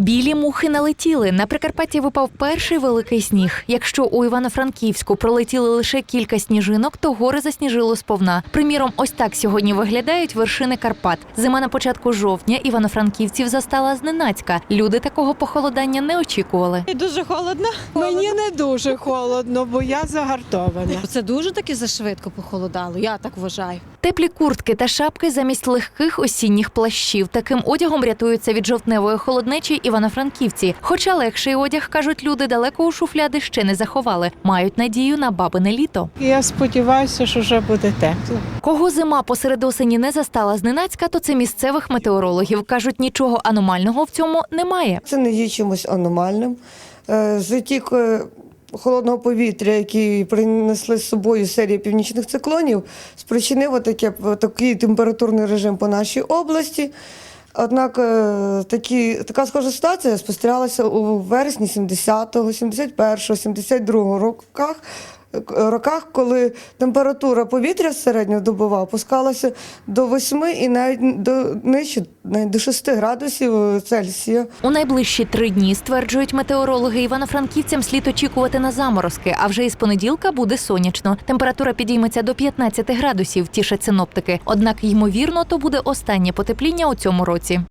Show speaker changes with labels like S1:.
S1: Білі мухи налетіли. На Прикарпатті випав перший великий сніг. Якщо у Івано-Франківську пролетіли лише кілька сніжинок, то гори засніжило сповна. Приміром, ось так сьогодні виглядають вершини Карпат. Зима на початку жовтня івано-франківців застала зненацька. Люди такого похолодання не очікували.
S2: Дуже холодно.
S3: Мені не дуже холодно, бо я загартована.
S2: Це дуже таки зашвидко похолодало, я так вважаю.
S1: Теплі куртки та шапки замість легких осінніх плащів. Таким одягом рятуються від жовтневої холоднечі івано-франківці. Хоча легший одяг, кажуть люди, далеко у шуфляди ще не заховали. Мають надію на бабине літо.
S3: Я сподіваюся, що вже буде тепло.
S1: Кого зима посеред осені не застала зненацька, то це місцевих метеорологів. Кажуть, нічого аномального в цьому немає.
S4: Це не є чимось аномальним. Затік холодного повітря, який принесли з собою серія північних циклонів, спричинив такий температурний режим по нашій області. Однак така схожа ситуація спостерігалася у вересні 70-го, 71-го, 72-го роках, коли температура повітря середньодобова опускалася до 8 і навіть до 6 градусів Цельсія.
S1: У найближчі 3 дні, стверджують метеорологи, івано-франківцям слід очікувати на заморозки, а вже із понеділка буде сонячно. Температура підійметься до 15 градусів, тішать синоптики. Однак, ймовірно, то буде останнє потепління у цьому році.